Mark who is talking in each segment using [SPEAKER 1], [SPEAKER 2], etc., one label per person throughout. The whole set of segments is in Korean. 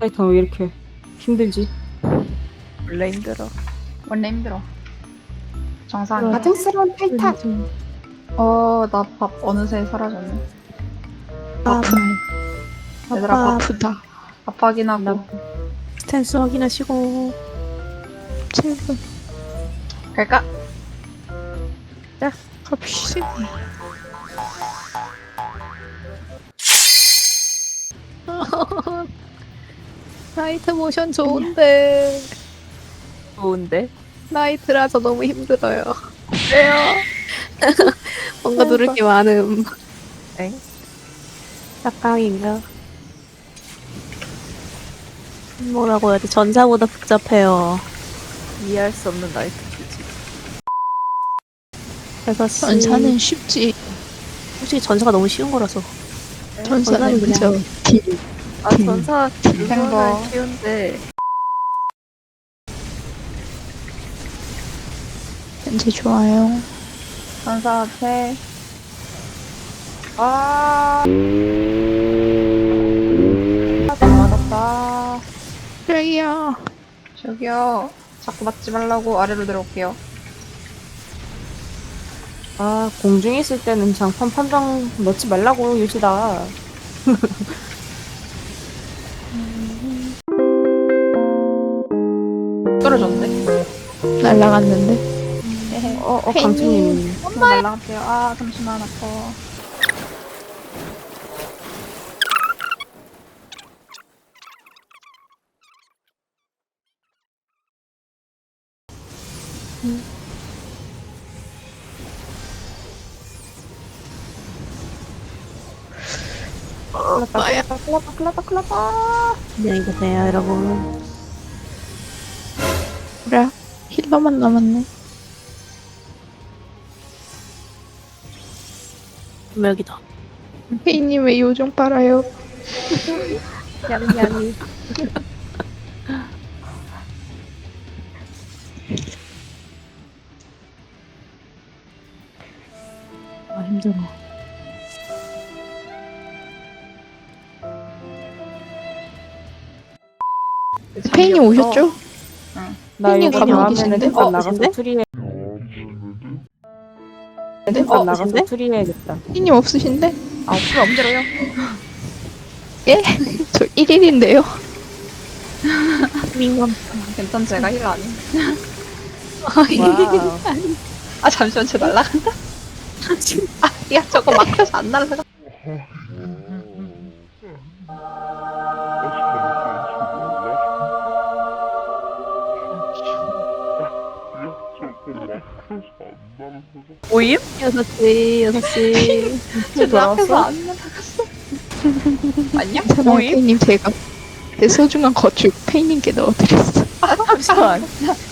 [SPEAKER 1] 타이탄 왜 이렇게 힘들지?
[SPEAKER 2] 원래 힘들어.
[SPEAKER 3] 원래 힘들어. 정상이야.
[SPEAKER 1] 가증스러운 타이탄.
[SPEAKER 3] 나 밥 어느새 사라졌네.
[SPEAKER 4] 아,
[SPEAKER 3] 얘들아, 밥
[SPEAKER 4] 아프다.
[SPEAKER 3] 밥 확인하고
[SPEAKER 4] 스탠스 확인하시고 7분
[SPEAKER 3] 갈까?
[SPEAKER 4] 갑시다. 나이트 모션 좋은데
[SPEAKER 2] 좋은데?
[SPEAKER 4] 나이트라서 너무 힘들어요.
[SPEAKER 2] 왜요?
[SPEAKER 4] 뭔가 누를 게 많음.
[SPEAKER 2] 엥?
[SPEAKER 4] 짝강인가? 뭐라고 해야 돼? 전사보다 복잡해요.
[SPEAKER 2] 이해할 수 없는 나이트 주지.
[SPEAKER 4] 그래서
[SPEAKER 5] 전사는 쉽지.
[SPEAKER 4] 솔직히 전사가 너무 쉬운 거라서.
[SPEAKER 5] 전사는
[SPEAKER 4] 그냥
[SPEAKER 5] 그저 딜.
[SPEAKER 2] 아 전사
[SPEAKER 3] 탱버.
[SPEAKER 2] 그거는 쉬운데
[SPEAKER 5] 현재 좋아요.
[SPEAKER 3] 전사 앞에 맞았다.
[SPEAKER 5] 저기요.
[SPEAKER 3] 저기요. 자꾸 맞지 말라고 아래로 내려올게요.
[SPEAKER 1] 아, 공중에 있을 때는 장판 판정 넣지 말라고, 유시다.
[SPEAKER 3] 떨어졌네.
[SPEAKER 5] 날라갔는데.
[SPEAKER 1] 강수님.
[SPEAKER 3] 날라갈게요. 아, 잠시만 아파. 클났다.
[SPEAKER 4] 안녕히 계세요, 여러분.
[SPEAKER 5] 그래. 힐러만 남았네.
[SPEAKER 4] 여기다.
[SPEAKER 5] 페이님 왜 요정 빨아요?
[SPEAKER 2] 냥냥이.
[SPEAKER 4] 아, 힘들어.
[SPEAKER 5] 페이님 오셨죠?
[SPEAKER 1] 나
[SPEAKER 5] 팬님
[SPEAKER 1] 이거
[SPEAKER 5] 가면
[SPEAKER 1] 다음에는
[SPEAKER 5] 계신데?
[SPEAKER 1] 햇반
[SPEAKER 4] 어,
[SPEAKER 1] 나가서
[SPEAKER 4] 계신데?
[SPEAKER 1] 투리해.
[SPEAKER 4] 어,
[SPEAKER 1] 햇반 나가서
[SPEAKER 4] 계신데?
[SPEAKER 1] 투리해야겠다.
[SPEAKER 5] 페이님 없으신데?
[SPEAKER 3] 아, 없으면 엄대로요.
[SPEAKER 5] 예? 저 1일인데요.
[SPEAKER 4] 민감.
[SPEAKER 3] 괜찮, 제가 힐 아님.
[SPEAKER 2] 와우.
[SPEAKER 3] 아, 잠시만, 쟤 날라간다. 아, 야, 저거 막혀서 안 날라가.
[SPEAKER 2] 오임?
[SPEAKER 4] 6시, 6시.
[SPEAKER 3] 쟤 앞에서 안 날라갔어. 안녕?
[SPEAKER 5] 괜찮아요,
[SPEAKER 2] 모임?
[SPEAKER 5] 페이님. 제가 제 소중한 거축 페이님께 넣어드렸어.
[SPEAKER 2] 잠시만.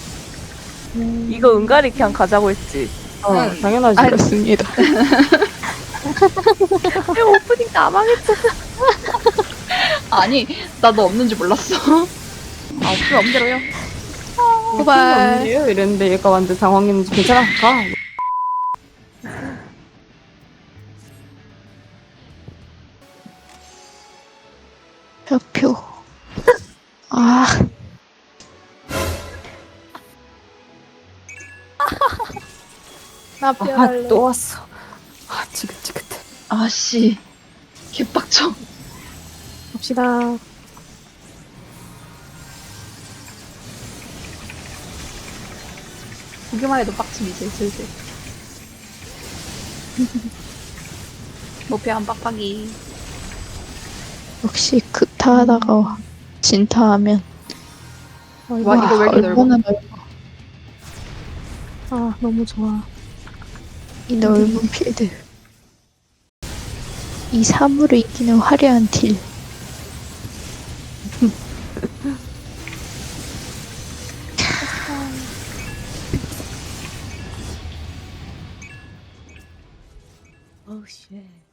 [SPEAKER 2] 이거 은가리 그냥 가자고 했지.
[SPEAKER 1] 당연하지.
[SPEAKER 5] 알았습니다.
[SPEAKER 2] 왜 오프닝 나망했잖아.
[SPEAKER 3] 아니, 나 너 없는 줄 몰랐어. 아, 없으면 엄대로요.
[SPEAKER 5] 고발.
[SPEAKER 1] 없네요? 이랬는데 얘가 완전 당황했는지 괜찮아? 가.
[SPEAKER 5] 표. 아,
[SPEAKER 4] 나
[SPEAKER 1] 또 왔어. 아, 지긋지긋해.
[SPEAKER 3] 아씨. 개빡쳐.
[SPEAKER 4] 갑시다.
[SPEAKER 3] 보기만 해도 빡침이지, 슬슬. 목표 한 빡빡이.
[SPEAKER 5] 역시 극타하다가 진타하면
[SPEAKER 3] 와, 이거 왜 이렇게 넓어?
[SPEAKER 5] 얼마나 넓어.
[SPEAKER 4] 아, 너무 좋아.
[SPEAKER 5] 이 넓은 필드. 이 사물을 이기는 화려한 딜.
[SPEAKER 4] 오우, 쉣.